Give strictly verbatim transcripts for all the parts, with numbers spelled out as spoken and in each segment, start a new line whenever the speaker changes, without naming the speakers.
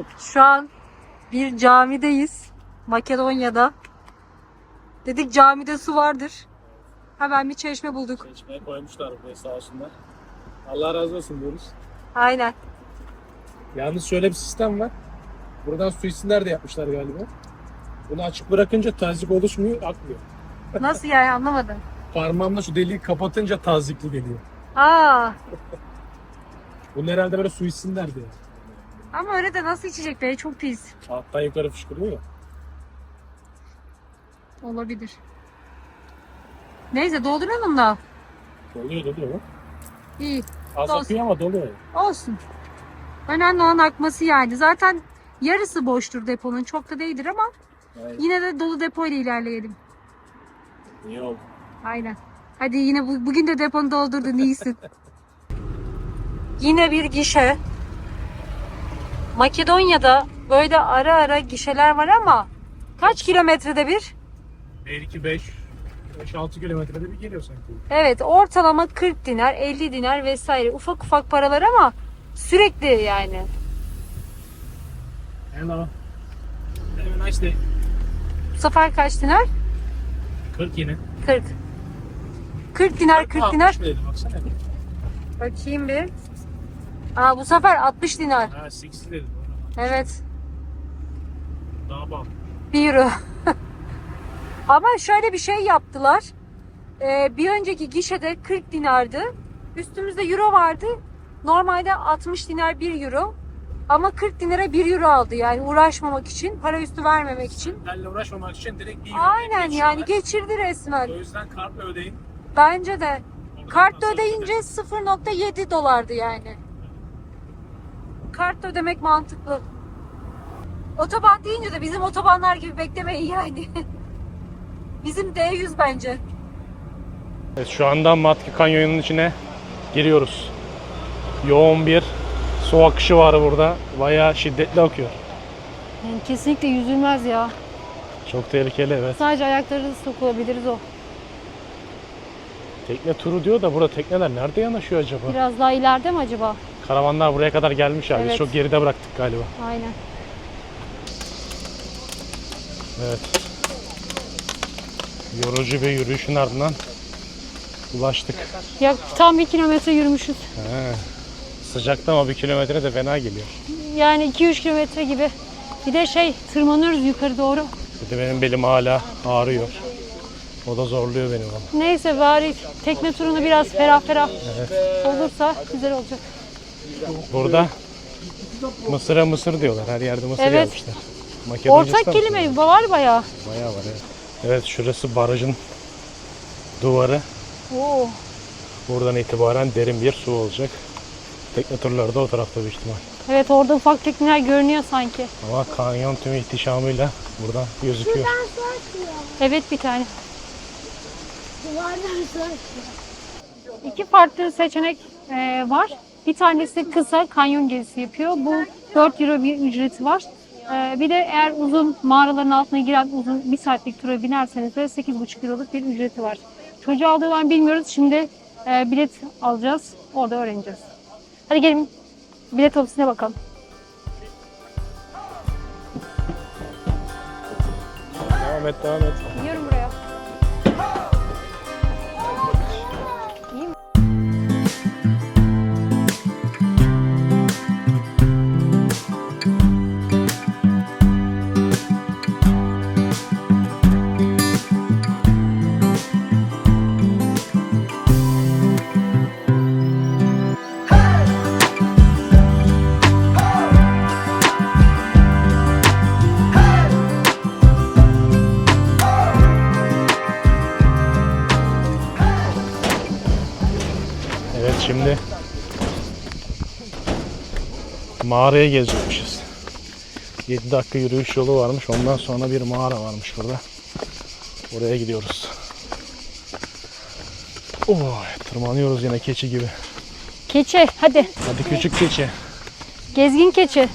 Şu an bir camideyiz. Makedonya'da. Dedik camide su vardır. Hemen bir çeşme bulduk.
Çeşmeye koymuşlar buraya sağ olsunlar. Allah razı olsun diyoruz.
Aynen.
Yalnız şöyle bir sistem var. Buradan su içsinler de yapmışlar galiba. Bunu açık bırakınca tazyik oluşmuyor, akmıyor.
Nasıl yani, anlamadım.
Parmağımla şu deliği kapatınca tazyikli geliyor.
Aa,
Bunun herhalde böyle su içsinler diye.
ama öyle de nasıl içecek be? Çok pis.
Alttan yukarı fışkırıyor ya.
Olabilir. Neyse, dolduralım da.
Doluyor doluyor.
İyi.
Az
Dolsun.
akıyor ama doluyor.
Olsun. Önemli olan akması yani. Zaten yarısı boştur deponun. Çok da değildir ama
Evet.
yine de dolu depoyla ilerleyelim.
İyi oldu.
Aynen. Hadi yine bu, bugün de deponu doldurdun, iyisin. Yine bir gişe. Makedonya'da böyle ara ara gişeler var ama kaç kilometrede bir?
bir, iki, beş, beş altı kilometrede bir geliyor sanki.
Evet, ortalama kırk dinar, elli dinar vesaire. Ufak ufak paralar ama sürekli yani.
Hello. Have a nice day.
Bu sefer kaç dinar?
kırk yine.
kırk. kırk dinar, kırk dinar.
altmış dedi, baksana.
Bakayım bir. Aa, bu sefer altmış dinar.
Ha, altmış dedi.
Evet.
Daha bağlı.
bir euro. Ama şöyle bir şey yaptılar. Ee, bir önceki gişede kırk dinardı. Üstümüzde euro vardı. Normalde altmış dinar bir euro. Ama kırk dinara bir euro aldı. Yani uğraşmamak için, para üstü vermemek için.
Benle uğraşmamak için direkt bir
Aynen yani geçirdi resmen.
O yüzden kartla ödeyin.
Bence de.
Oradan
Kartla
nasıl
ödeyince sıfır nokta yedi dolardı yani. Kartla ödemek mantıklı. Otoban deyince de bizim otobanlar gibi beklemeyin yani. Bizim D yüz bence.
Evet, şu anda Matki Kanyonu'nun içine giriyoruz. Yoğun bir su akışı var burada. Bayağı şiddetli akıyor.
Yani kesinlikle yüzülmez ya.
Çok tehlikeli, evet.
Sadece ayakları sokulabiliriz o.
Tekne turu diyor da burada tekneler nerede yanaşıyor acaba?
Biraz daha ileride mi acaba?
Karavanlar buraya kadar gelmiş abi. Biz
Evet.
çok geride bıraktık galiba.
Aynen.
Evet. Yorucu bir yürüyüşün ardından ulaştık.
Ya tam bir kilometre yürümüşüz.
He. Sıcakta ama bir kilometre de fena geliyor.
Yani iki üç kilometre gibi. Bir de şey, tırmanıyoruz yukarı doğru.
Bir de benim belim hala ağrıyor. O da zorluyor beni bana.
Neyse, bari tekne turunu biraz ferah ferah
Evet.
olursa güzel olacak.
Burada Mısır'a mısır diyorlar. Her yerde mısır
Evet.
yazmışlar. Makedoncası
Ortak
da
kelime
mısır?
var bayağı.
Bayağı var, evet. Evet, şurası barajın duvarı.
Oo.
Buradan itibaren derin bir su olacak. Tekne turları da o tarafta büyük ihtimal.
Evet, orada ufak tekneler görünüyor sanki.
Ama kanyon tüm ihtişamıyla buradan gözüküyor.
Evet, bir tane.
Duvardan sonra.
İki farklı seçenek e, var. Bir tanesi kısa kanyon gezisi yapıyor. Bu dört euro bir ücreti var. E, bir de eğer uzun mağaraların altına giren uzun bir saatlik tura binerseniz de sekiz buçuk euroluk bir ücreti var. Çocuğu aldığı var bilmiyoruz. Şimdi e, bilet alacağız. Orada öğreneceğiz. Hadi gelin bilet ofisine bakalım.
Devam et, devam et.
Gidiyorum buraya. İyi mi?
Evet, şimdi mağaraya gezecekmişiz. yedi dakika yürüyüş yolu varmış. Ondan sonra bir mağara varmış burada. Oraya gidiyoruz. Oh, tırmanıyoruz yine keçi gibi.
Keçi, hadi.
Hadi küçük keçi.
Gezgin keçi.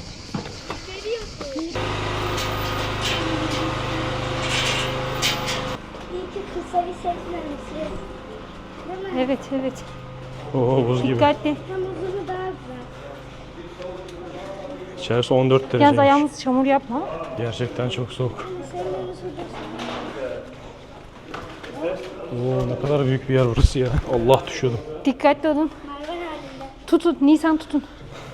İyi ki kısa bir sekmemesi. Değil mi?
Evet, evet.
Oo, buz gibi.
Dikkatli.
Hem uzunu daha güzel.
İçerisi on dört
Yalnız
dereceymiş.
ayağımız çamur yapma.
Gerçekten çok soğuk. Oo, ne kadar büyük bir yer burası ya. Allah, düşüyordum.
Dikkatli olun. Tutun, Nisan tutun.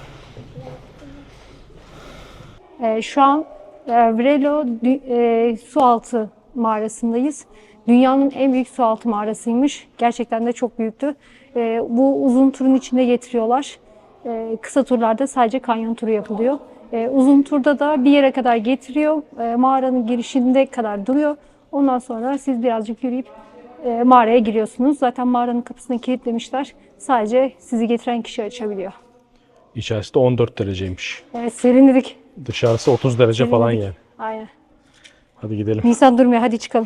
Ee, şu an e, Vrelo dü- e, sualtı mağarasındayız. Dünyanın en büyük sualtı mağarasıymış. Gerçekten de çok büyüktü. E, bu uzun turun içinde getiriyorlar. E, kısa turlarda sadece kanyon turu yapılıyor. E, uzun turda da bir yere kadar getiriyor. E, mağaranın girişinde kadar duruyor. Ondan sonra siz birazcık yürüyüp e, mağaraya giriyorsunuz. Zaten mağaranın kapısını kilitlemişler. Sadece sizi getiren kişi açabiliyor.
İçerisi de on dört dereceymiş.
Evet, serinledik.
Dışarısı otuz derece
Serinledik.
falan yani.
Aynen.
Hadi gidelim.
Nisan durmuyor. Hadi çıkalım.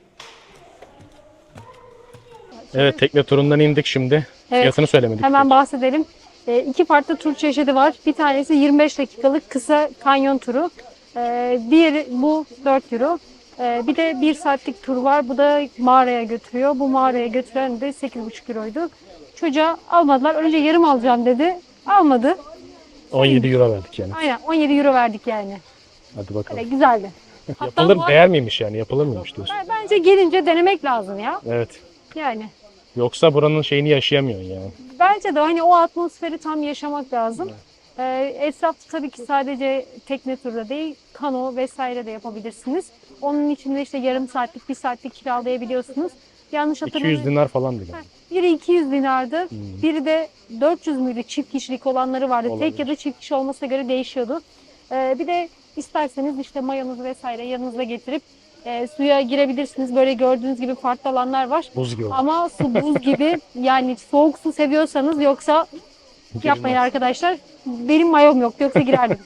Evet, tekne turundan indik şimdi.
Evet.
Fiyatını söylemedik.
Hemen bahsedelim. E, iki farklı tur çeşidi var. Bir tanesi yirmi beş dakikalık kısa kanyon turu. E, diğeri bu dört euro. E, bir de bir saatlik tur var. Bu da mağaraya götürüyor. Bu mağaraya götüren de sekiz buçuk euroydu. Çocuğa almadılar. Önce yarım alacağım dedi. Almadı.
on yedi euro verdik yani.
Aynen on yedi euro verdik yani.
Hadi bakalım.
Böyle güzeldi. Hatta
Yapılır,
bu-
değer miymiş yani? Yapılır mıymış diyorsun?
Bence gelince denemek lazım ya.
Evet.
Yani.
Yoksa buranın şeyini yaşayamıyorsun yani.
Bence de hani o atmosferi tam yaşamak lazım. Ee, etrafta tabii ki sadece tekne turu değil, kano vesaire de yapabilirsiniz. Onun içinde işte yarım saatlik, bir saatlik kiralayabiliyorsunuz. Yanlış
iki yüz
hatırlamıyorum.
dinar falan dedi.
Biri iki yüz dinardı, biri de dört yüz müydü, çift kişilik olanları vardı.
Olabilir.
Tek ya da çift kişi olmasına göre değişiyordu. Ee, bir de isterseniz işte mayonuzu vesaire yanınızda getirip e, suya girebilirsiniz. Böyle gördüğünüz gibi farklı alanlar var.
Buz gibi.
Ama su buz gibi, yani soğuk su seviyorsanız yoksa yapmayın arkadaşlar. Benim mayom yok, yoksa girerdim.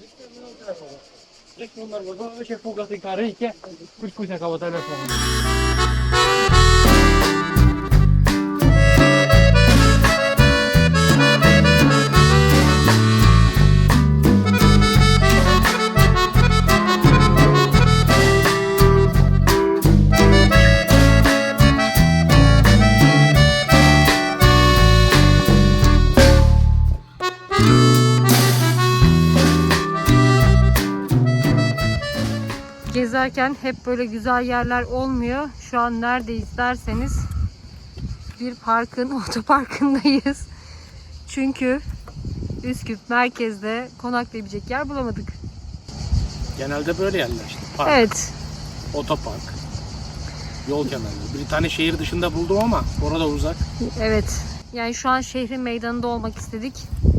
Gezerken hep böyle güzel yerler olmuyor. Şu an neredeyiz derseniz bir parkın, otoparkındayız. Çünkü Üsküp merkezde konaklayabilecek yer bulamadık.
Genelde böyle yerler işte. Park,
Evet.
otopark, yol kenarları. Bir tane şehir dışında buldum ama orada uzak.
Evet. Yani şu an şehrin meydanında olmak istedik.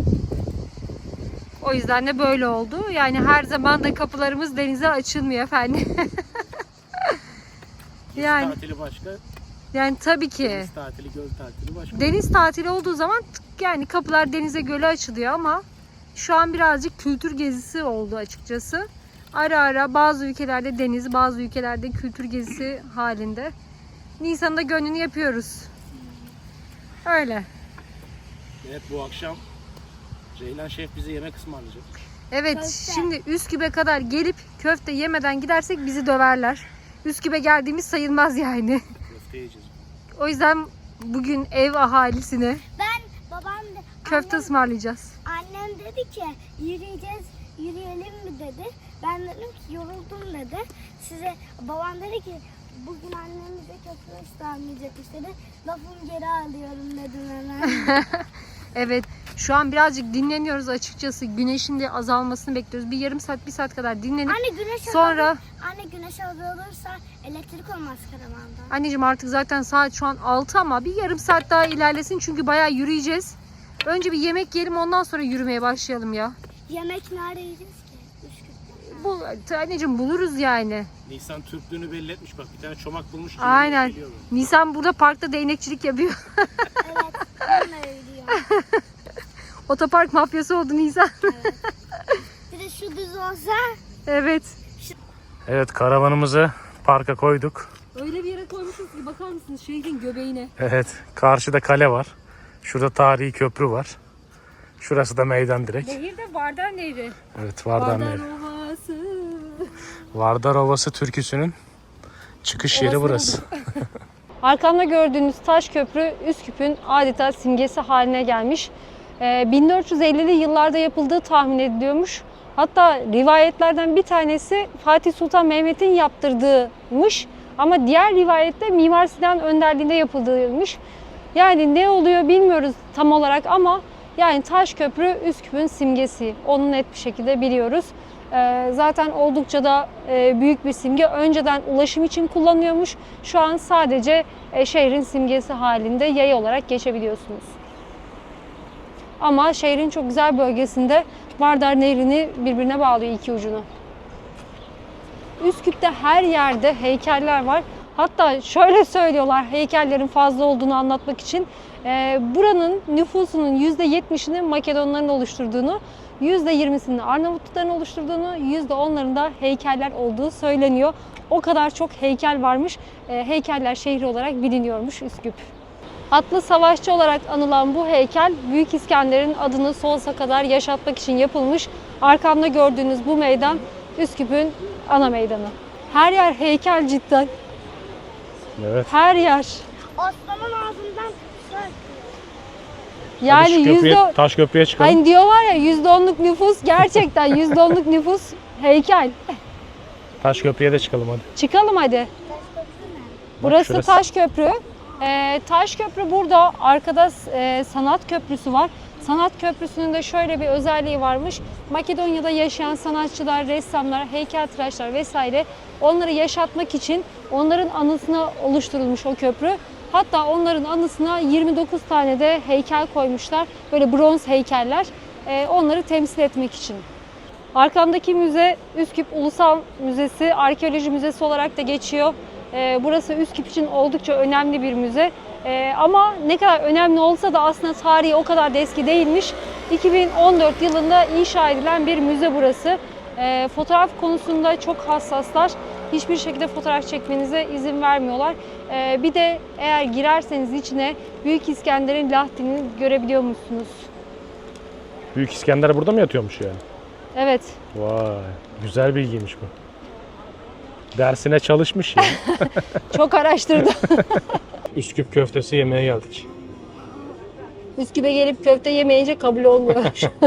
O yüzden de böyle oldu. Yani her zaman da kapılarımız denize açılmıyor efendim. yani
Tatili başka,
yani tabii ki.
deniz tatili, göl tatili başka.
Deniz tatili olduğu zaman tık yani kapılar denize göle açılıyor ama şu an birazcık kültür gezisi oldu açıkçası. Ara ara bazı ülkelerde deniz, bazı ülkelerde kültür gezisi halinde. Nisan'da gönlünü yapıyoruz. Öyle.
Evet, bu akşam Ceylan Şef bize yemek ısmarlayacak.
Evet,
Köfte.
şimdi Üsküp'e kadar gelip köfte yemeden gidersek bizi döverler. Üsküp'e geldiğimiz sayılmaz yani.
Köfte yiyeceğiz.
O yüzden bugün ev ahalisine
Ben babam da
köfte
annem,
ısmarlayacağız.
annem dedi ki yürüyeceğiz, yürüyelim mi dedi. Ben dedim ki yoruldum dedi. Size babam dedi ki bugün annemize köfte ısmarlayacakmış dedi. Lafımı geri alıyorum dedim hemen.
Evet, şu an birazcık dinleniyoruz açıkçası. Güneşin de azalmasını bekliyoruz. Bir yarım saat, bir saat kadar dinlenip
Anne güneş
sonra...
azalır, anne güneş azalırsa elektrik olmaz karavanda.
Anneciğim artık zaten saat şu an altı ama bir yarım saat daha ilerlesin çünkü bayağı yürüyeceğiz. Önce bir yemek yiyelim, ondan sonra yürümeye başlayalım ya.
Yemek nerede yiyeceğiz ki? Üsküp'te.
Bu anneciğim buluruz yani.
Nisan Türklüğünü belli etmiş, bak bir tane çomak bulmuş. ki
Aynen.
geliyor böyle.
Nisan burada parkta değnekçilik yapıyor.
Evet, ben de öyle.
Otopark mafyası oldu Nisan.
Bir de şu düz olsa
Evet.
Evet, karavanımızı parka koyduk.
Öyle bir yere koymuşuz ki bakar mısınız şehrin göbeğine.
Evet, karşıda kale var. Şurada tarihi köprü var. Şurası da meydan direkt.
Nehir de Vardar Nehri.
Evet, Vardar
Vardar
Nehri.
Ovası.
Vardar Ovası türküsünün çıkış yeri
Ovası
burası.
Arkamda gördüğünüz taş köprü Üsküp'ün adeta simgesi haline gelmiş. Ee, bin dört yüz ellili yıllarda yapıldığı tahmin ediliyormuş. Hatta rivayetlerden bir tanesi Fatih Sultan Mehmet'in yaptırdığıymış. Ama diğer rivayette Mimar Sinan önderliğinde yapıldığıymış. Yani ne oluyor bilmiyoruz tam olarak ama yani Taşköprü Üsküp'ün simgesi. Onu net bir şekilde biliyoruz. Ee, zaten oldukça da e, büyük bir simge. Önceden ulaşım için kullanıyormuş. Şu an sadece e, şehrin simgesi halinde yaya olarak geçebiliyorsunuz. Ama şehrin çok güzel bölgesinde Vardar Nehri'ni birbirine bağlıyor iki ucunu. Üsküp'te her yerde heykeller var. Hatta şöyle söylüyorlar heykellerin fazla olduğunu anlatmak için. E, buranın nüfusunun yüzde yetmişini Makedonların oluşturduğunu, yüzde yirmisini Arnavutların oluşturduğunu, yüzde onlarında heykeller olduğu söyleniyor. O kadar çok heykel varmış. E, heykeller şehri olarak biliniyormuş Üsküp. Atlı savaşçı olarak anılan bu heykel Büyük İskender'in adını sonsuza kadar yaşatmak için yapılmış. Arkamda gördüğünüz bu meydan Üsküp'ün ana meydanı. Her yer heykel cidden.
Evet.
Her yer.
Osman'ın ağzından şöyle.
Yani
Hadi şu köprüye,
yüzde...
Taşköprü'ye çıkalım.
Hani diyorlar ya yüzde onluk nüfus gerçekten yüzde onluk nüfus heykel.
Taşköprü'ye de çıkalım hadi.
Çıkalım hadi. Burası
şurası.
Taşköprü. Ee, Taşköprü burada arkada e, Sanat Köprüsü var. Sanat Köprüsü'nün de şöyle bir özelliği varmış. Makedonya'da yaşayan sanatçılar, ressamlar, heykeltıraşlar vesaire onları yaşatmak için onların anısına oluşturulmuş o köprü. Hatta onların anısına yirmi dokuz tane de heykel koymuşlar. Böyle bronz heykeller. Ee, onları temsil etmek için. Arkamdaki müze Üsküp Ulusal Müzesi, Arkeoloji Müzesi olarak da geçiyor. Ee, burası Üsküp için oldukça önemli bir müze. Ee, ama ne kadar önemli olsa da aslında tarihi o kadar da eski değilmiş. iki bin on dört yılında inşa edilen bir müze burası. Ee, fotoğraf konusunda çok hassaslar. Hiçbir şekilde fotoğraf çekmenize izin vermiyorlar. Ee, bir de eğer girerseniz içine Büyük İskender'in Lahti'ni görebiliyormuşsunuz.
Büyük İskender burada mı yatıyormuş yani?
Evet.
Vay, güzel bilgiymiş bu. Dersine çalışmış ya.
Çok araştırdım.
Üsküp köftesi yemeye geldik.
Üsküp'e gelip köfte yemeyince kabul olmuyor.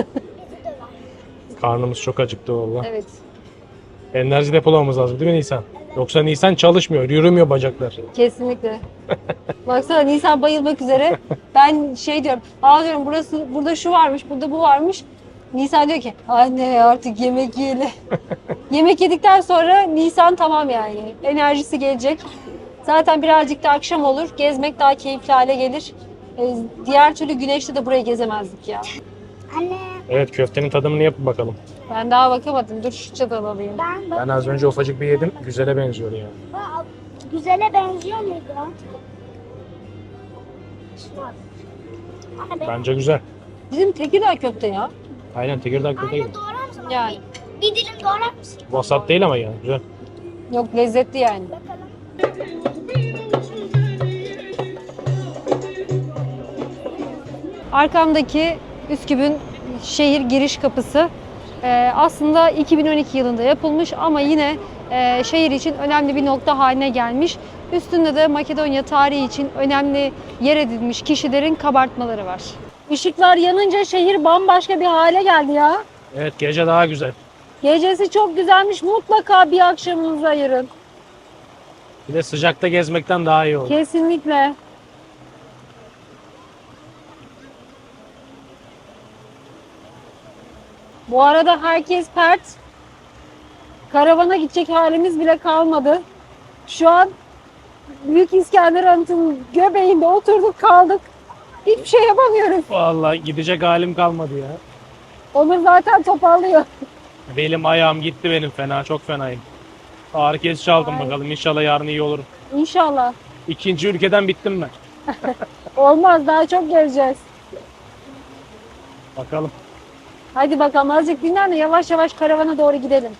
Karnımız çok acıktı valla.
Evet.
Enerji depolamamız lazım değil mi Nisan? Yoksa Nisan çalışmıyor, yürümüyor bacaklar.
Kesinlikle. Baksana Nisan bayılmak üzere. Ben şey diyorum, aa diyorum burası, burada şu varmış, burada bu varmış. Nisan diyor ki, anne artık yemek yiyelim. Yemek yedikten sonra Nisan tamam yani. Enerjisi gelecek. Zaten birazcık da akşam olur. Gezmek daha keyifli hale gelir. Ee, diğer türlü güneşte de burayı gezemezdik ya.
Anne
Evet, köftenin tadımını yapıp bakalım.
Ben daha bakamadım. Dur şu çatalı alayım.
ben
Ben az önce ufacık bir yedim, güzele benziyor yani.
Aa, güzele benziyor muydu? Anne ben...
Bence güzel.
Bizim Tekirdağ köfte ya.
Aynen, Tekirdağ köfte gibi.
Anne doğrar mısın?
Yani.
Bir, bir dilim doğrar mısın?
Vasat değil ama yani, güzel.
Yok lezzetli yani.
Bakalım.
Arkamdaki Üsküp'ün şehir giriş kapısı e, aslında iki bin on iki yılında yapılmış ama yine e, şehir için önemli bir nokta haline gelmiş. Üstünde de Makedonya tarihi için önemli yer edilmiş kişilerin kabartmaları var. Işıklar yanınca şehir bambaşka bir hale geldi ya.
Evet, gece daha güzel.
Gecesi çok güzelmiş. Mutlaka bir akşamınızı ayırın.
Bir de sıcakta gezmekten daha iyi oldu.
Kesinlikle. Bu arada herkes pert. Karavana gidecek halimiz bile kalmadı. Şu an Büyük İskender Anıtı'nın göbeğinde oturduk kaldık. Hiçbir şey yapamıyoruz.
Vallahi gidecek halim kalmadı ya.
Onur zaten topallıyor.
Belim ayağım gitti benim fena, çok fenayım. Ağrı kesici aldım bakalım, inşallah yarın iyi olurum.
İnşallah.
İkinci ülkeden bittim ben.
Olmaz, daha çok geleceğiz.
Bakalım.
Hadi bakalım azıcık dinlen de yavaş yavaş karavana doğru gidelim.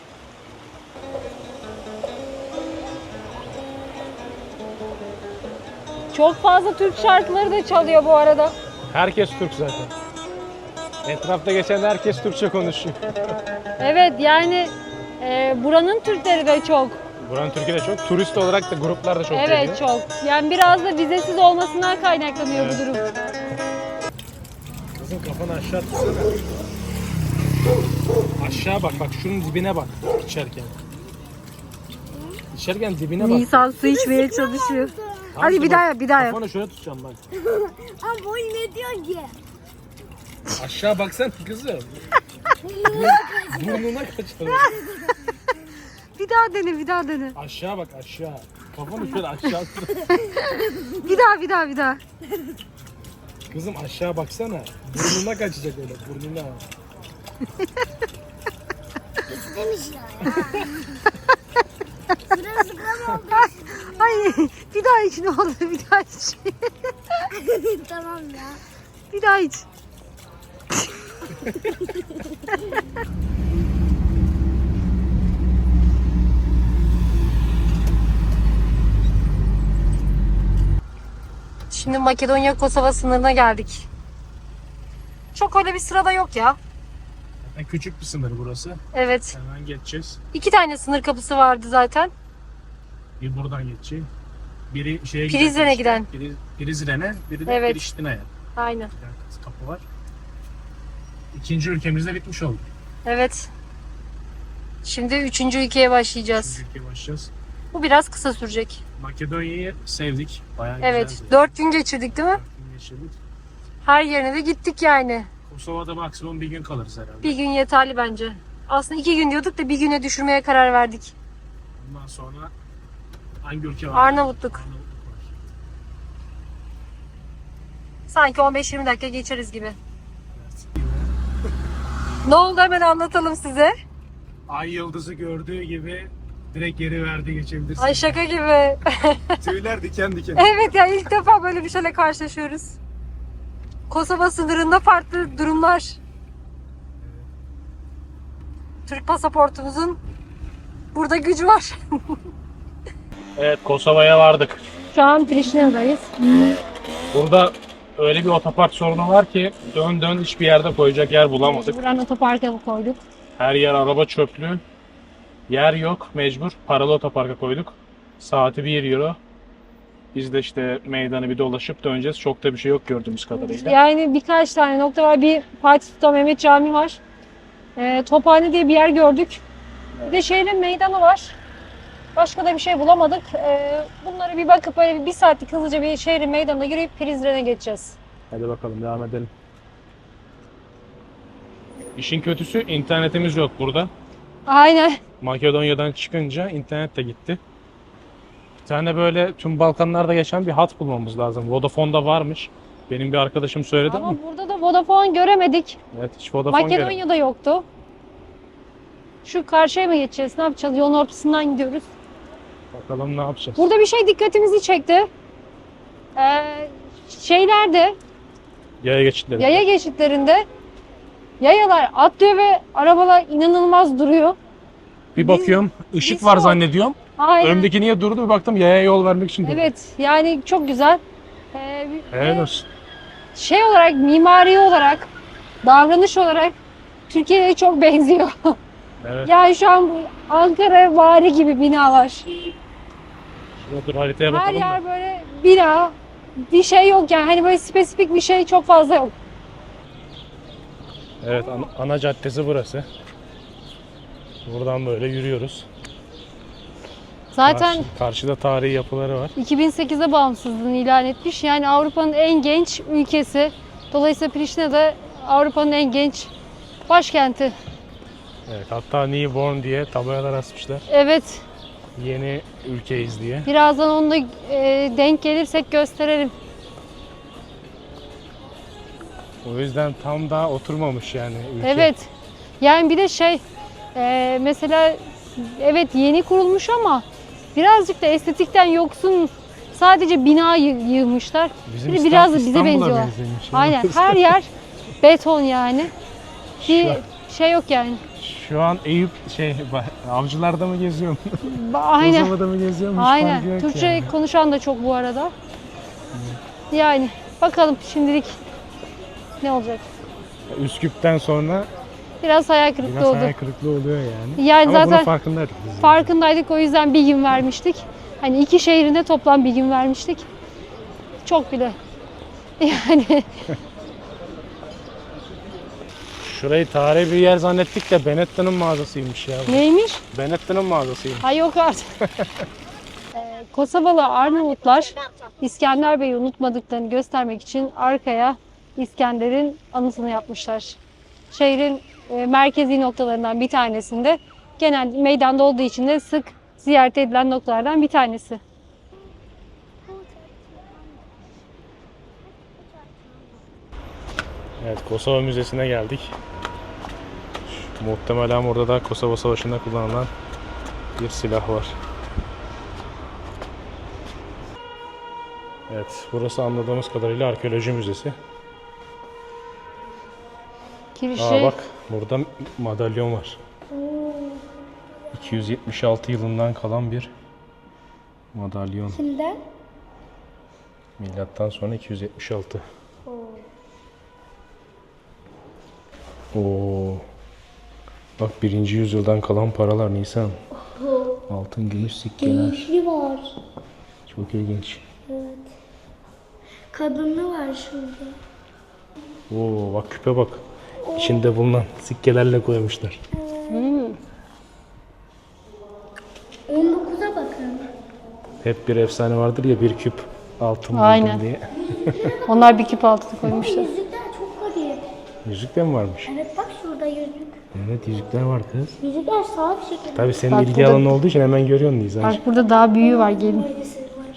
Çok fazla Türk şarkıları da çalıyor bu arada.
Herkes Türk zaten. Etrafta geçen herkes Türkçe konuşuyor.
Evet yani e, buranın Türkleri de çok.
Buranın Türkiye'de çok, turist olarak da gruplar da çok
Evet
geliyor.
çok. Yani biraz da vizesiz olmasından kaynaklanıyor
Evet.
bu durum.
Kızım kafanı aşağı tutsana. Aşağı bak bak şunun dibine bak içerken. İçerken dibine bak.
Nisan su içmeye çalışıyor.
Tamam
Hadi
işte
bir
bak,
daha yap, bir daha yap.
Kafanı şöyle tutacağım bak.
Ama boy ne diyor ki?
Aşağı baksana kızım. Burnuna kaçalım.
Bir daha dene, bir daha dene.
Aşağı bak aşağı. Kafanı şöyle aşağı tut.
Bir daha, bir daha, bir daha.
Kızım aşağı baksana. Burnuna kaçacak öyle burnuna.
Demiş ya ya. Sıra sıklam oldu.
Hayır, bir daha iç ne olur, bir daha iç.
Tamam ya.
Bir daha iç. Şimdi Makedonya-Kosova sınırına geldik. Çok öyle bir sırada yok ya.
Yani küçük bir sınır burası.
Evet.
Hemen geçeceğiz.
İki tane sınır kapısı vardı zaten.
Bir buradan geçeceğim. Biri şeye
Prizren'e
giden.
giden.
Biri Prizren'e, biri de
Evet.
Priştine'ye.
Aynen.
Yani kapı var. İkinci ülkemizde bitmiş oldu.
Evet. Şimdi üçüncü ülkeye başlayacağız.
Üçüncü ülkeye başlayacağız.
Bu biraz kısa sürecek.
Makedonya'yı sevdik. Bayağı
Evet.
güzeldi.
Dört gün geçirdik değil mi?
Dört gün geçirdik.
Her yerine de gittik yani.
Kosova'da maksimum bir gün kalırız herhalde.
Bir gün yeterli bence. Aslında iki gün diyorduk da bir güne düşürmeye karar verdik.
Ondan sonra hangi ülke var?
Arnavutluk.
Arnavutluk var.
Sanki on beş yirmi dakika geçeriz gibi.
Evet.
Ne oldu hemen anlatalım size.
Ay yıldızı gördüğü gibi direkt geri verdi geçebilirsin.
Ay şaka gibi.
Tüyler diken diken.
Evet ya ilk defa böyle bir şeyle karşılaşıyoruz. Kosova sınırında farklı durumlar. Türk pasaportumuzun burada gücü var.
Evet Kosova'ya vardık.
Şu an Priştine'dayız.
Burada öyle bir otopark sorunu var ki dön dön hiçbir yerde koyacak yer bulamadık.
Buranın otoparka koyduk.
Her yer araba çöplü. Yer yok mecbur. Paralı otoparka koyduk. Saati bir euro. Biz de işte meydanı bir dolaşıp döneceğiz. Çok da bir şey yok gördüğümüz kadarıyla.
Yani birkaç tane nokta var. Bir Fatih Sultan Mehmet Camii var. E, Tophane diye bir yer gördük. Bir de şehrin meydanı var. Başka da bir şey bulamadık. E, bunları bir bakıp böyle bir, bir saatlik hızlıca bir şehrin meydanına yürüyüp Prizren'e geçeceğiz.
Hadi bakalım devam edelim. İşin kötüsü internetimiz yok burada.
Aynen.
Makedonya'dan çıkınca internet de gitti. Bir tane böyle tüm Balkanlarda geçen bir hat bulmamız lazım. Vodafone'da varmış. Benim bir arkadaşım söyledi ama.
Ama burada da Vodafone göremedik.
Evet hiç Vodafone göremedim.
Makedonya'da yoktu. Şu karşıya mı geçeceğiz? Ne yapacağız? Yolun ortasından gidiyoruz.
Bakalım ne yapacağız.
Burada bir şey dikkatimizi çekti. Ee, şeylerde,
Yaya geçitleri.
yaya geçitlerinde yayalar atlıyor ve arabalar inanılmaz duruyor.
Bir bakıyorum ışık
biz
var
çok-
zannediyorum.
Aynen.
Önümdeki niye durdu bir baktım yaya yol vermek için durdu.
Evet, yani çok güzel. Ee,
Helal
ve
olsun.
şey olarak, mimari olarak, davranış olarak Türkiye'ye çok benziyor.
Evet.
Yani şu an bu Ankara vari gibi binalar.
Şurada dur haritaya
Her
bakalım
yer
da.
böyle bina, bir şey yok yani. Hani böyle spesifik bir şey çok fazla yok.
Evet ana, ana caddesi burası. Buradan böyle yürüyoruz.
Zaten
Karşı- karşıda tarihi yapıları var.
iki bin sekizde bağımsızlığını ilan etmiş. Yani Avrupa'nın en genç ülkesi. Dolayısıyla Priştine de Avrupa'nın en genç başkenti.
Evet hatta newborn diye tabelalar asmışlar.
Evet,
Yeni ülkeyiz diye.
birazdan onu da e, denk gelirsek gösterelim.
O yüzden tam daha oturmamış yani ülke.
Evet. Yani bir de şey, e, mesela evet yeni kurulmuş ama birazcık da estetikten yoksun. Sadece bina yı- yığmışlar.
Bizim
Bir de
İstanbul-
biraz da bize
İstanbul'a
benziyorlar.
benzemiş.
Aynen, her yer beton yani. Bir
Şu-
şey yok yani.
Şu an Eyüp şey avcılarda mı geziyorum?
Ba- Aynen.
Kosova'da mı geziyorum? Hiç farkı
Aynen.
yok
Türkçe
yani.
konuşan da çok bu arada. Yani bakalım şimdilik ne olacak.
Üsküp'ten sonra
Biraz hayal kırıklığı
biraz
oldu.
hayal kırıklığı oluyor yani.
Yani
Ama bunun
zaten
farkındaydık biz.
farkındaydık, o yüzden bir gün vermiştik. Hani iki şehrine toplam bir gün vermiştik. Çok bile. Yani
Şurayı tarihi bir yer zannettik de Benetton'un mağazasıymış ya. bu.
Neymiş?
Benetton'un mağazasıymış.
Ha yok artık. Ee, Kosovalı Arnavutlar İskender Bey'i unutmadıklarını göstermek için arkaya İskender'in anısını yapmışlar. Şehrin e, merkezi noktalarından bir tanesinde, genel meydanda olduğu için de sık ziyaret edilen noktalardan bir tanesi.
Evet, Kosova Müzesi'ne geldik. Muhtemelen burada da Kosova Savaşı'nda kullanılan bir silah var. Evet, burası anladığımız kadarıyla arkeoloji müzesi.
Kirişi
Aa bak, burada madalyon var. iki yüz yetmiş altı yılından kalan bir madalyon.
Kimden?
Milattan sonra iki yüz yetmiş altı. Oo. Bak birinci yüzyıldan kalan paralar Nisan. Altın, gümüş sikkeler.
Gençli var.
Çok ilginç.
Evet. Kadınlı var şurada.
Oo bak küpe bak. İçinde bulunan sikkelerle koymuşlar.
Hmm.
on dokuza bakın.
Hep bir efsane vardır ya, bir küp altın buldum
Aynen.
diye.
Onlar bir küp altını koymuşlar.
Yüzükler çok garip.
Yüzük de mi varmış?
Evet bak şurada yüzük.
Evet, yüzükler var kız.
Yüzükler sağ bir şekilde.
Tabii senin
Bak
ilgi
burada-
alanı olduğu için hemen görüyorsun Nisan.
Bak burada daha büyüğü var, gelin.
Böylesi var.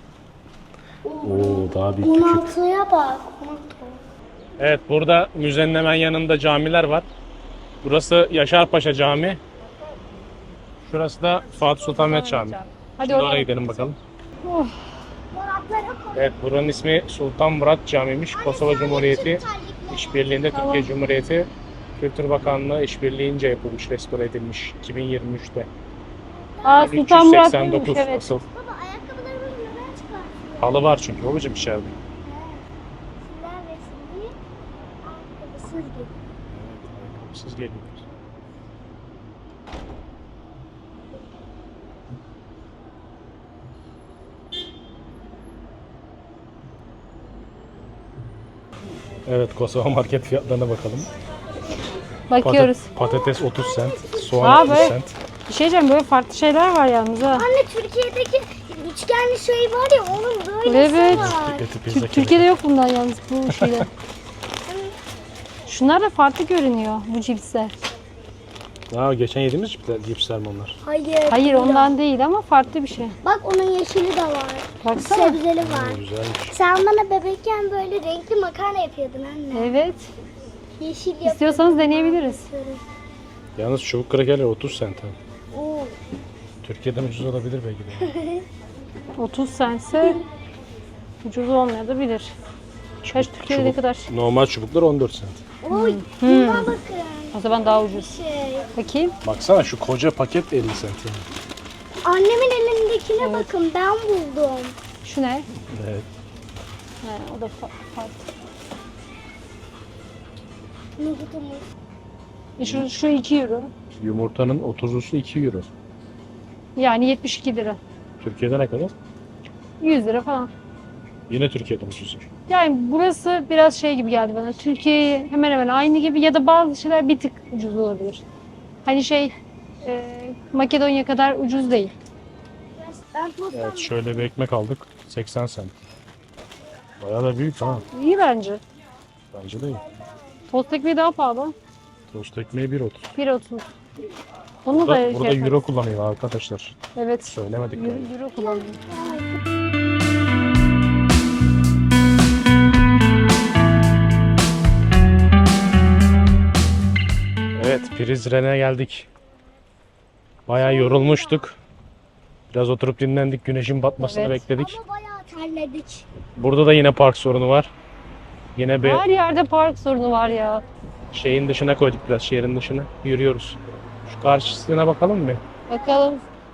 Oo daha büyük
on
bir küp.
altıya bak. on altı.
Evet, burada müzenin hemen yanında camiler var. Burası Yaşarpaşa Camii. Şurası da Fatih Sultan Mehmet Camii.
Hadi
Şimdi oraya
oraya.
gidelim bakalım.
Oh.
Evet, buranın ismi Sultan Murat Camii'ymiş. Kosova Cumhuriyeti İşbirliği'nde Türkiye Cumhuriyeti Kültür Bakanlığı işbirliğince yapılmış, restore edilmiş iki bin yirmi üçte.
Aa, Sultan Murat
üç yüz seksen dokuz
mıymış? Evet.
asıl.
Baba ayakkabılarımızı neden çıkartıyor?
Halı var çünkü babacığım içeride.
Sizler resmi ayakkabısız gibi.
Siz geliyorsunuz. Evet, Kosova market fiyatlarına bakalım.
Bakıyoruz.
Patat- patates otuz sent, soğan
Aa,
otuz
böyle-
sent.
Bir şey diyeceğim, böyle farklı şeyler var yalnız ha.
Anne Türkiye'deki üçgenli şey var ya onun böylesi
Evet.
var.
Eti pizza
Tür- Türkiye'de yok bundan yalnız, bu şeyler. Şunlar da farklı görünüyor, bu cipsler.
Aa, geçen yediğimiz cipsler, cipsler mi onlar?
Hayır.
Hayır, ondan değil ama farklı bir şey.
Bak onun yeşili de var.
Baksana.
Sebzeli var.
Güzelmiş.
Sen bana bebekken böyle renkli makarna yapıyordun anne.
Evet.
Yeşil yapıyordun.
İstiyorsanız deneyebiliriz.
Yalnız çubuk krakerler otuz sent. ha.
Oo.
Türkiye'den ucuz olabilir belki de.
otuz centse ucuz olmayabilir. Kaç Türkiye'de ne
Çubuk-
kadar?
Normal çubuklar on dört sent.
Oy.
Hmm.
Buna bakın.
O zaman daha ucuz.
Şey.
Bakayım.
Baksana şu koca paket elli sent. yani.
Annemin elindekine bakın ben buldum.
Şu ne?
Evet.
Ha, o da fa- farklı.
Nohutumuz.
E Şu, şu iki euro.
Yumurtanın otuzlusu iki euro.
Yani yetmiş iki lira.
Türkiye'de ne kadar?
yüz lira falan.
Yine Türkiye'den ucuz.
Yani burası biraz şey gibi geldi bana. Türkiye hemen hemen aynı gibi ya da bazı şeyler bir tık ucuz olabilir. Hani şey e, Makedonya kadar ucuz değil.
Ben tostam.
Evet, şöyle bir ekmek aldık. seksen sent. Bayağı da büyük ha.
İyi bence.
Bence de iyi.
Tost ekmeği daha pahalı.
Tost ekmeği bir otuz.
bir otuz. Onu da
Burada,
şey
burada
yaparız.
euro kullanıyor arkadaşlar.
Evet.
Söylemedik.
Euro,
galiba.
euro kullanıyor.
Evet, Prizren'e geldik. Bayağı yorulmuştuk. Biraz oturup dinlendik. Güneşin batmasını
Evet.
bekledik.
Ama bayağı terledik.
Burada da yine park sorunu var. Yine bir
Her yerde park sorunu var ya.
şeyin dışına koyduk, biraz şehrin dışına. Yürüyoruz. Şu karşısına bakalım mı?
Bakalım.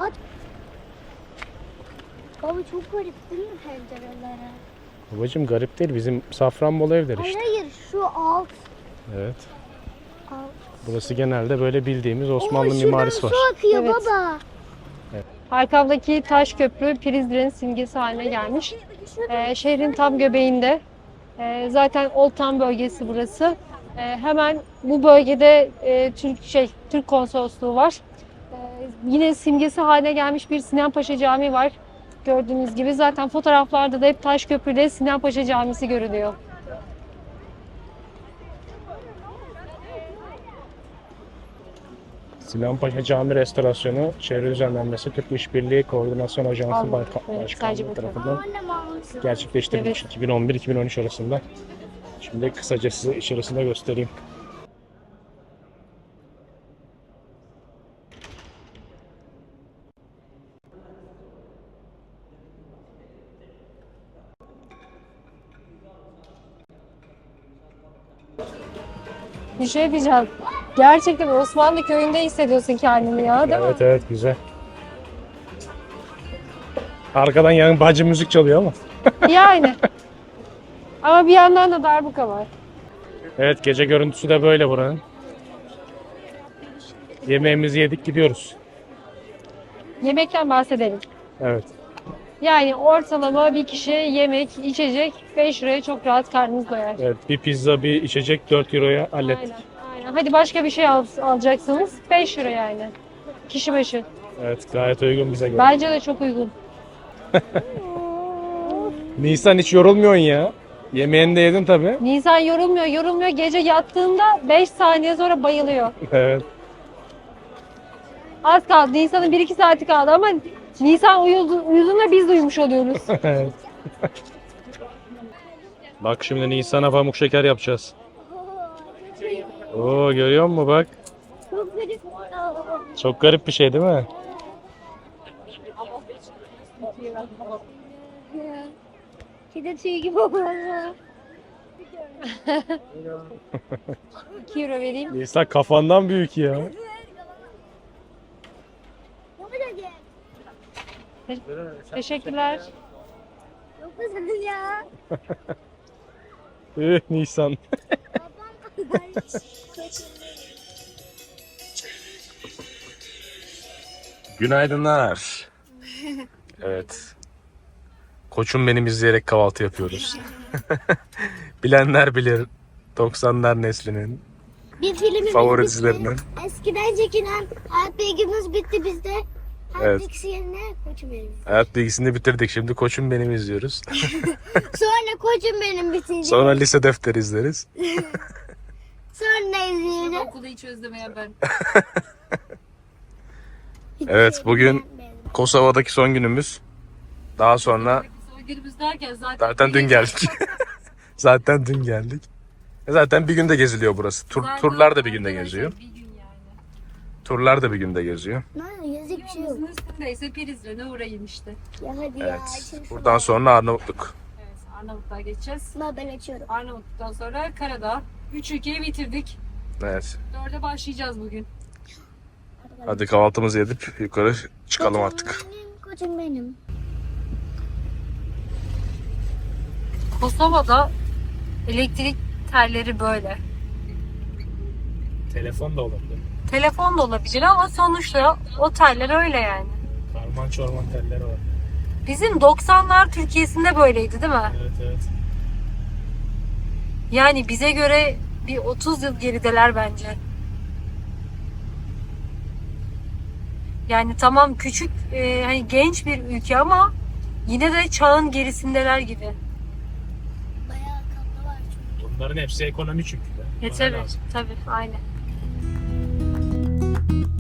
Baba çok garip değil mi pencereleri?
Babacım garip değil. Bizim Safranbolu evler
Hayır
işte.
hayır şu alt.
Evet.
alt.
Burası genelde böyle bildiğimiz Osmanlı
Oo, şuradan
mimarisi var.
su akıyor
Evet.
baba.
Arkamdaki taş köprü Prizren'in simgesi haline gelmiş. Ee, şehrin tam göbeğinde. Ee, zaten Old Town bölgesi burası. Ee, hemen bu bölgede e, Türk şey Türk konsolosluğu var. Ee, yine simgesi haline gelmiş bir Sinan Paşa Camii var. Gördüğünüz gibi zaten fotoğraflarda da hep Taşköprü'de Sinan Paşa Camisi görünüyor.
Sinan Paşa Cami Restorasyonu, Çevre Düzenlenmesi Türk İşbirliği Koordinasyon Ajansı
Allah,
Başka-
evet, sadece
Başkanlığı
bu
tarafından
Annem almışsın.
gerçekleştirilmiş
Evet.
iki bin on bir iki bin on üç arasında. Şimdi kısaca size içerisinde göstereyim.
Bir şey diyeceğim. Gerçekten Osmanlı köyünde hissediyorsun kendini ya, değil
Evet
mi?
evet güzel. Arkadan yan bacı müzik çalıyor ama.
Yani. Ama bir yandan da darbuka var.
Evet gece görüntüsü de böyle buranın. Yemeğimizi yedik gidiyoruz.
Yemekten bahsedelim.
Evet.
Yani ortalama bir kişi yemek, içecek beş liraya çok rahat karnınız doyar.
Evet bir pizza bir içecek dört euroya hallettik.
Aynen, aynen. Hadi başka bir şey al, alacaksınız beş lira yani. Kişi başı.
Evet gayet uygun bize göre.
Bence de çok uygun.
Nisan hiç yorulmuyorsun ya. Yemeğini de yedin tabii.
Nisan yorulmuyor, yorulmuyor. Gece yattığında beş saniye sonra bayılıyor.
Evet.
Az kaldı. Nisan'ın bir iki saati kaldı ama Nisan uyudu, uyuduğunda biz de uyumuş oluyoruz.
Evet. Bak şimdi Nisan'a pamuk şeker yapacağız. Oo görüyor musun bak?
Çok garip.
Çok garip bir şey değil mi?
Kedi tüyü gibi oldu.
iki euro vereyim.
Nisan kafandan büyük ya.
Teşekkürler.
Çok güzel ya.
Üh Nisan. Günaydınlar. Evet. Koçum benim izleyerek kahvaltı yapıyoruz. Bilenler bilir. doksanlar neslinin
Bir filmimiz
favori
bitti.
dizilerinden.
Eskiden çekilen Hayat Bilgimiz bitti bizde. Hayat
Evet.
Bilgisi yerine Koçum Benim.
Hayat bilgisini bitirdik. Şimdi Koçum benim izliyoruz.
Sonra Koçum Benim bitince.
Sonra lise defteri izleriz.
Sonra izleyelim.
Okulu hiç özlemeyen ben.
Evet bugün Kosova'daki son günümüz. Daha sonra
Son günümüz derken zaten...
zaten dün geldik. Zaten dün geldik. E Zaten bir günde geziliyor burası. Tur, turlar da bir günde geziyor.
Bir gün yani.
Turlar da bir günde geziyor.
Ne yazık bir şey yok.
Yolumuzun üstündeyse Prizren'e uğrayın işte.
Ya hadi ya.
Evet.
Şimdi
Buradan sonra Arnavutluk.
Evet, Arnavutluğa geçeceğiz.
şuna ben açıyorum.
Arnavutluk'tan sonra Karadağ. Üç ülkeyi bitirdik.
Evet.
Dörde başlayacağız bugün.
Hadi kahvaltımızı edip yukarı çıkalım artık.
Benim, Koçum Benim.
Kosova'da elektrik telleri böyle.
Telefon da olabilir.
Telefon da olabilir ama sonuçta o teller öyle yani.
Karman çorman telleri var.
Bizim doksanlar Türkiye'sinde böyleydi değil mi?
Evet evet.
Yani bize göre bir otuz yıl gerideler bence. Yani tamam küçük, e, hani genç bir ülke ama yine de çağın gerisindeler gibi.
Bayağı kapı var çünkü.
Bunların hepsi ekonomi çünkü.
E tabi, tabi, aynen.